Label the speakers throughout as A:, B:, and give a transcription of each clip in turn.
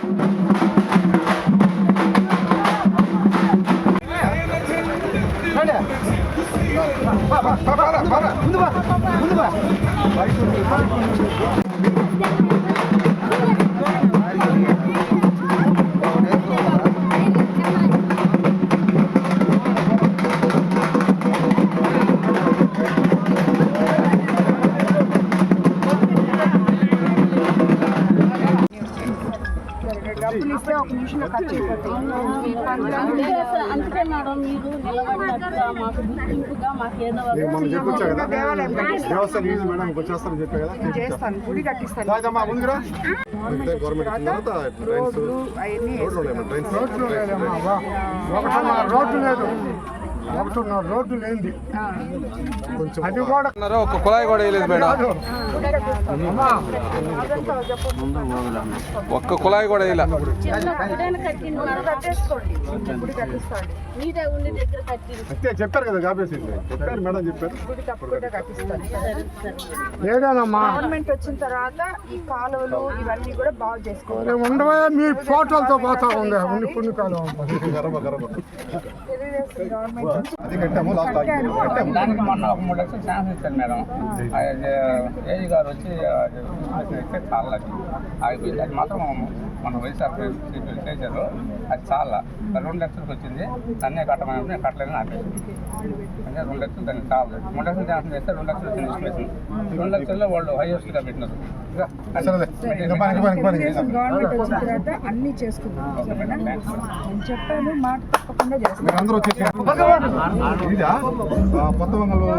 A: డబ్బులు ఇస్తే ఒక నిమిషంలో ఖర్చు
B: అందుకే మేడం మీరు నిలబడినట్టుగా మాకు గుర్తింపుగా మాకు ఏదో
A: చేస్తాను, గుడి కట్టిస్తాను. రోడ్డు లేదు, రోడ్డు లేనిది అది కూడా
C: ఒక కుళాయి కూడా వేయలేదు మేడం, ఒక్క కుళాయి కూడా వేయలే.
D: చెప్పారు కదా చెప్పారు మేడం, చెప్పారు
A: లేదమ్మా. గవర్నమెంట్ వచ్చిన తర్వాత ఈ కాలువలు ఇవన్నీ కూడా బాగు చేసుకోవాలి. ఉండవా మీ ఫోటోలతో పోతా ఉంది కొన్ని కాలం
D: అది కట్టాము.
E: దానికి మొన్న ఒక 3 లక్షలు శాంక్షన్ ఇచ్చారు మేడం. ఏజీ గారు వచ్చి ఇస్తే చాలా ఆగిపోయింది. అది మాత్రం మన వైఎస్ఆర్ చేశారు, అది చాలా 2 లక్షలకు వచ్చింది. దాన్నే కట్టమని నేను కట్టలేదని ఆపేసి అంటే 2 లక్షలు దానికి కావాలి. 3 లక్షలు శాంక్షన్ చేస్తే 2 లక్షలు వచ్చింది ఇన్స్టిట్యూషన్. 2 లక్షల్లో వాళ్ళు హైయెస్ట్గా పెట్టినారు.
A: గవర్నమెంట్ వచ్చిన తర్వాత అన్ని చేసుకున్నాం. చెప్పాను, మాట తప్పకుండా చేస్తాను.
D: అందరూ వచ్చేసి కొత్త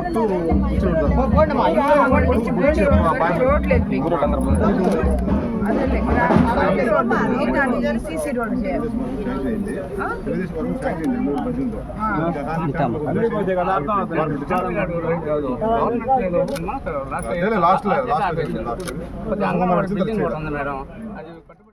D: సీసీ రోడ్ చేయాలి.
E: Last madam. అది